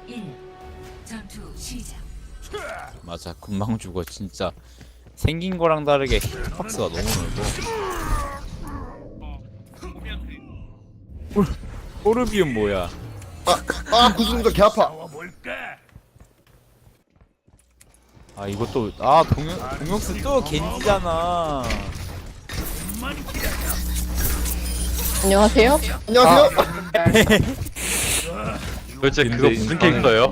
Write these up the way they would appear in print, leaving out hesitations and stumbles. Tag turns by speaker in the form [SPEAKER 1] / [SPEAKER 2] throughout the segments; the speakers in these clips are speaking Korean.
[SPEAKER 1] 1. 전투 시작.
[SPEAKER 2] 맞아, 금방 죽어 진짜. 생긴 거랑 다르게 hit박스가 너무 넓어. 호르비움 뭐야?
[SPEAKER 3] 구슬도 개 아파.
[SPEAKER 2] 아 이것도 동역스 또 겐지잖아.
[SPEAKER 4] 안녕하세요.
[SPEAKER 3] 안녕하세요.
[SPEAKER 5] 도대체 그거 무슨 캐릭터예요?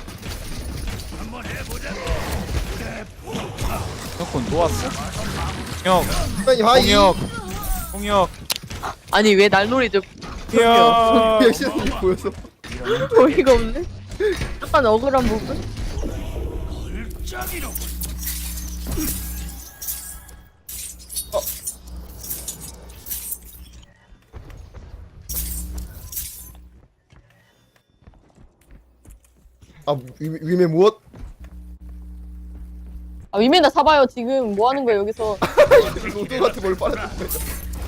[SPEAKER 2] 형건 또 왔어? 형,
[SPEAKER 3] 선생님 하이.
[SPEAKER 2] 홍역,
[SPEAKER 4] 아니 왜 날놀이죠?
[SPEAKER 2] 형.
[SPEAKER 3] 백신이 보여서.
[SPEAKER 4] 어이가 없네. 약간 억울한 부분.
[SPEAKER 3] 위메 무엇?
[SPEAKER 4] 아 위메나 사봐요. 지금 뭐 하는 거예요 여기서?
[SPEAKER 3] 로또 같은 걸 빨아들고 있어.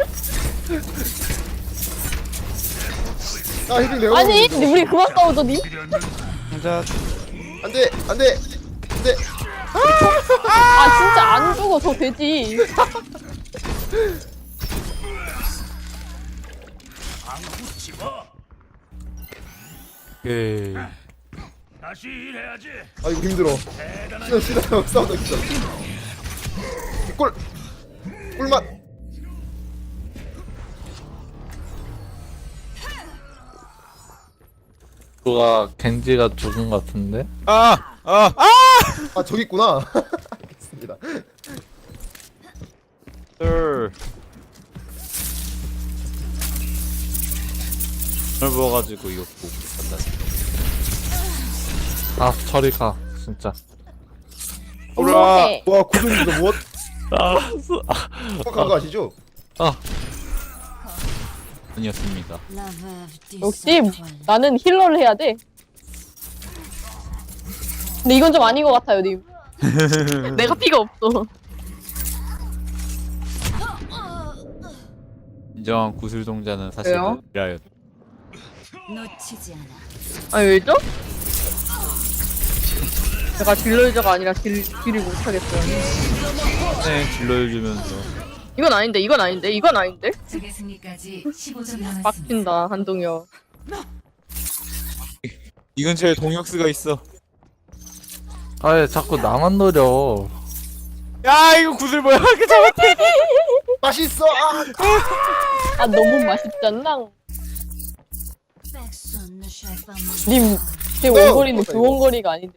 [SPEAKER 3] 헤딩 내가.
[SPEAKER 4] 아니 근데 우리 그만 싸우죠 님?
[SPEAKER 2] 혼자
[SPEAKER 3] 안돼.
[SPEAKER 4] 아 진짜 안 죽어 저 돼지.
[SPEAKER 6] 다시 일해야지.
[SPEAKER 3] 아이고 힘들어. 싫어 싸우다 진짜. 꿀맛.
[SPEAKER 5] 누가 겐지가 죽은 것 같은데?
[SPEAKER 3] 저기 있구나. 알겠습니다.
[SPEAKER 2] 넓어가지고 이거 보고 간다.
[SPEAKER 5] 아 저리 가 진짜.
[SPEAKER 4] 오케이.
[SPEAKER 3] 와 구슬도 무엇?
[SPEAKER 5] 알았어.
[SPEAKER 3] 한 거 아시죠?
[SPEAKER 2] 아니었습니다.
[SPEAKER 4] 역시 나는 힐러를 해야 돼. 근데 이건 좀 아닌 것 같아요 님. 내가 피가 없어.
[SPEAKER 2] 인정한 구슬 동자는 사실
[SPEAKER 4] 왜요?
[SPEAKER 2] 미라였.
[SPEAKER 1] 놓치지 않아.
[SPEAKER 4] 아니 왜죠? 제가 딜러 유저가 아니라 딜을 못하겠어요.
[SPEAKER 2] 네, 질러주면서
[SPEAKER 4] 이건 아닌데 이건 아닌데.
[SPEAKER 1] 적의 승리까지 15점 남았습니다.
[SPEAKER 4] 빡친다 한동혁.
[SPEAKER 2] 이 근처에 동역스가 있어.
[SPEAKER 5] 아예 자꾸 나만 노려.
[SPEAKER 2] 야 이거 구슬 뭐야? 그 잡았대.
[SPEAKER 3] 맛있어.
[SPEAKER 4] 아 너무 맛있잖아. 님, 제 원거리는 그 원거리가 아닌데.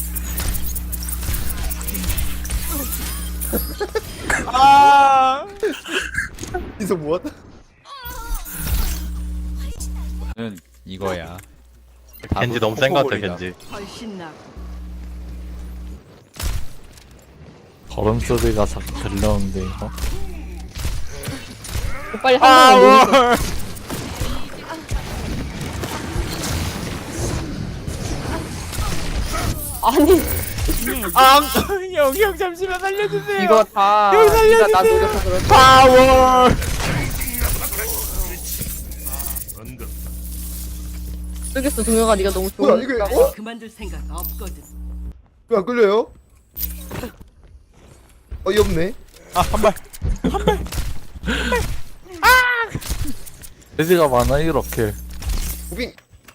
[SPEAKER 3] 이서 무엇?
[SPEAKER 2] 는 이거야.
[SPEAKER 5] 겐지 너무 센 것 같아 겐지. 걸음 소리가 자꾸 들려오는데 이거.
[SPEAKER 4] 빨리 한동혁 놀려. 아니
[SPEAKER 2] 형 잠시만 살려주세요.
[SPEAKER 4] 이거 다 네가 나 노려서 그렇지.
[SPEAKER 2] 파워.
[SPEAKER 4] 쓰겠어 동혁아 네가 너무
[SPEAKER 3] 뭐야 이게?
[SPEAKER 4] 좋으니까.
[SPEAKER 1] 그만둘 생각 없거든.
[SPEAKER 3] 왜 안 끌려요? 어이없네.
[SPEAKER 2] 한 발.
[SPEAKER 5] 돼지가 많아 이렇게.
[SPEAKER 3] 무빙.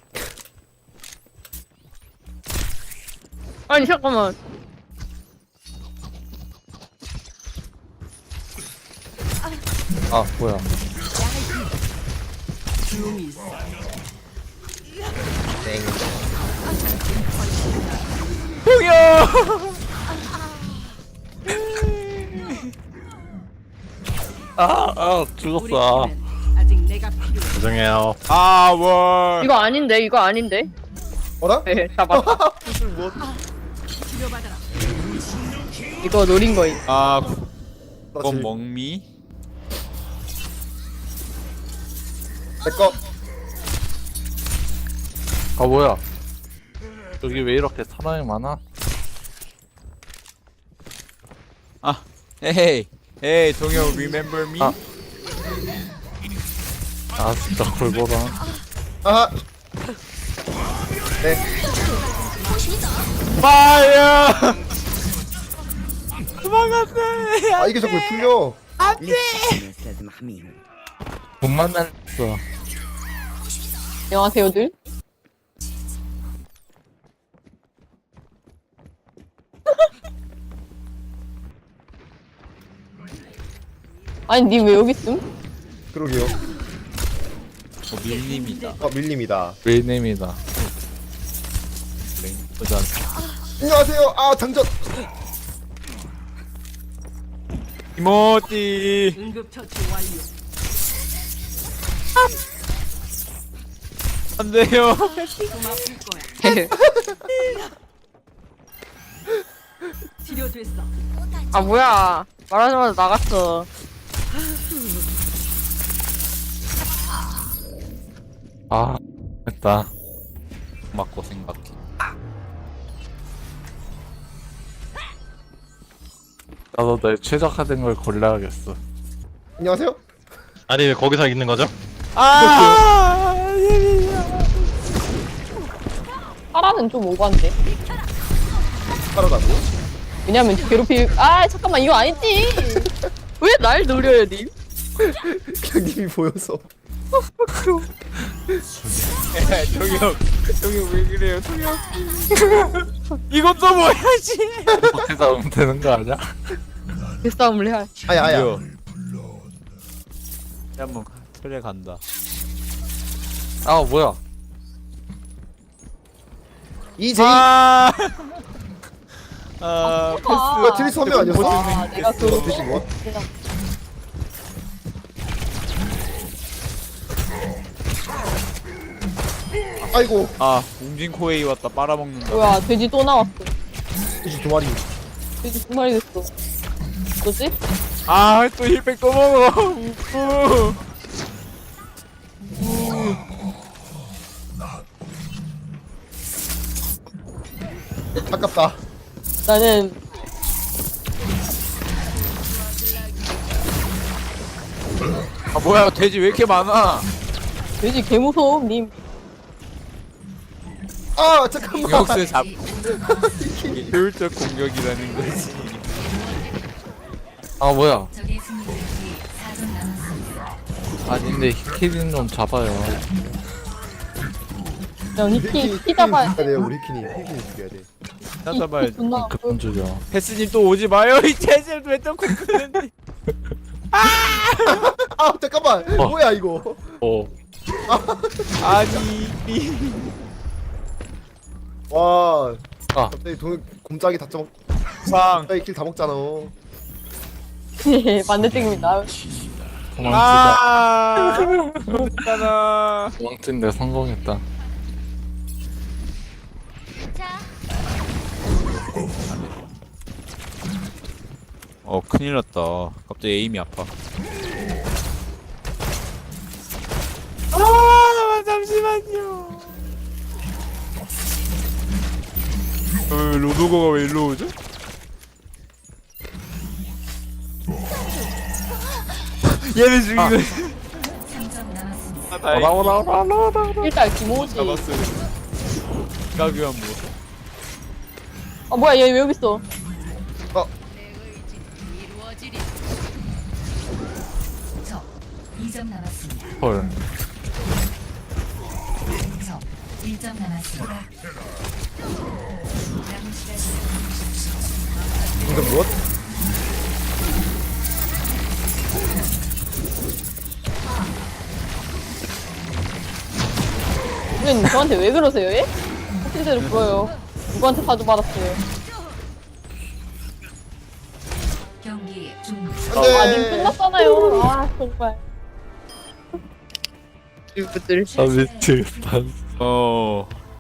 [SPEAKER 4] 아니 잠깐만.
[SPEAKER 5] 아 뭐야. 죽었어.
[SPEAKER 1] 아직 내가 필요해.
[SPEAKER 5] 죄송해요.
[SPEAKER 2] 파워.
[SPEAKER 4] 이거 아닌데.
[SPEAKER 3] 어라?
[SPEAKER 4] 네 잡았다.
[SPEAKER 3] 구슬 무엇?
[SPEAKER 1] 치료받아라.
[SPEAKER 4] 이거 노린 거임.
[SPEAKER 2] 그건 멍미.
[SPEAKER 3] 내꺼.
[SPEAKER 5] 아 뭐야. 여기 왜 이렇게 사람이 많아?
[SPEAKER 2] 헤이 동영 remember me?
[SPEAKER 5] 아 진짜 골보라.
[SPEAKER 3] 아하. 네.
[SPEAKER 2] 파이어. 도망갔네.
[SPEAKER 3] 아 이게 자꾸 왜 풀려?
[SPEAKER 5] 못 만났어.
[SPEAKER 4] 안녕하세요들. 아니 니 왜 여기 있음?
[SPEAKER 3] 그러게요.
[SPEAKER 2] 밀림이다.
[SPEAKER 3] 밀림이다.
[SPEAKER 5] 웨이네임이다.
[SPEAKER 2] 보자.
[SPEAKER 3] 안녕하세요. 아 장전.
[SPEAKER 2] 이모티.
[SPEAKER 1] 응급처치 완료.
[SPEAKER 2] 안 돼요.
[SPEAKER 1] 좀 아플 거야. 치료됐어.
[SPEAKER 4] 아 뭐야 말하자마자 나갔어.
[SPEAKER 5] 아, 됐다.
[SPEAKER 2] 맞고 생각해.
[SPEAKER 5] 나도 내 최적화된 걸 골라야겠어.
[SPEAKER 3] 안녕하세요.
[SPEAKER 6] 아니 왜 거기서 있는 거죠?
[SPEAKER 2] 아.
[SPEAKER 4] 파라는 좀 오반데.
[SPEAKER 3] 살아가고.
[SPEAKER 4] 왜냐면 괴롭히. 아 잠깐만 이거 아니지. 왜 날 노려요 님?
[SPEAKER 3] 그냥 님이 보여서.
[SPEAKER 2] 정혁. 정혁 왜 그래요, 정혁? 이것도 뭐야지?
[SPEAKER 5] 어떻게 싸우면 되는 거 아니야?
[SPEAKER 4] 그 싸움을 해야.
[SPEAKER 3] 아야.
[SPEAKER 2] 한번 틀에 간다.
[SPEAKER 5] 아, 뭐야?
[SPEAKER 3] 이제이.
[SPEAKER 2] 아 패스.
[SPEAKER 3] 뭐야 트리스 선배 아니었어?
[SPEAKER 4] 아 내가 그.
[SPEAKER 3] 대시 뭐? 아이고
[SPEAKER 2] 아 웅진 코에이 왔다 빨아먹는다.
[SPEAKER 4] 뭐야 돼지 또 나왔어.
[SPEAKER 3] 돼지 두 마리.
[SPEAKER 4] 돼지 두 마리 됐어. 뭐지?
[SPEAKER 2] 아또 힐백 또 먹어. 우프.
[SPEAKER 3] 아깝다.
[SPEAKER 4] 나는
[SPEAKER 2] 아 뭐야 돼지 왜 이렇게 많아?
[SPEAKER 4] 돼지 개 무서움 님.
[SPEAKER 3] 아 잠깐만.
[SPEAKER 2] 역수 잡. 이게 효율적 공격이라는 거지.
[SPEAKER 5] 아, 뭐야?
[SPEAKER 1] 적의 승리까지 4점 남았습니다.
[SPEAKER 5] 아닌데, 히키린 좀 잡아요.
[SPEAKER 4] 그냥 히키 잡아야 돼.
[SPEAKER 3] 돼요 우리 키니. 키니 죽여야 돼.
[SPEAKER 2] 찾아봐야 돼.
[SPEAKER 4] 존나
[SPEAKER 5] 그만 죽여.
[SPEAKER 2] 패스님 또 오지 마요. 이 체질 왜또 ขุ는데?
[SPEAKER 3] 아 잠깐만. 뭐야 이거?
[SPEAKER 5] 어.
[SPEAKER 2] 아니.
[SPEAKER 3] 와.
[SPEAKER 5] 아.
[SPEAKER 3] 갑자기 곰짝이 다 쪄먹.
[SPEAKER 2] 상.
[SPEAKER 3] 갑자기 킬 다 먹잖아.
[SPEAKER 4] 반대쪽입니다.
[SPEAKER 5] 도망치자.
[SPEAKER 2] 아. 그렇잖아.
[SPEAKER 5] 도망친데 성공했다.
[SPEAKER 2] 큰일 났다. 갑자기 에임이 아파. 아, 잠시만요. 로도거가 왜 일로 오죠? 얘는 죽이고.
[SPEAKER 1] 3점 남았습니다.
[SPEAKER 2] 아, 다행히
[SPEAKER 4] 일단 김호지.
[SPEAKER 2] 잡았어요. 가교한 뭐.
[SPEAKER 4] 아 뭐야 얘 왜 여기 있어?
[SPEAKER 1] 이루어지리. 적 2점 남았습니다.
[SPEAKER 5] 헐.
[SPEAKER 1] 적 1점 남았습니다. 남은 시간
[SPEAKER 3] 이거 무엇?
[SPEAKER 4] 선생님 저한테 왜 그러세요 얘? 실제로 보여요. 누구한테 사주 받았어요?
[SPEAKER 1] 경기 중.
[SPEAKER 4] 아님 끝났잖아요. 아 정말. 이것들.
[SPEAKER 5] 아, 미치겠다.
[SPEAKER 2] 어.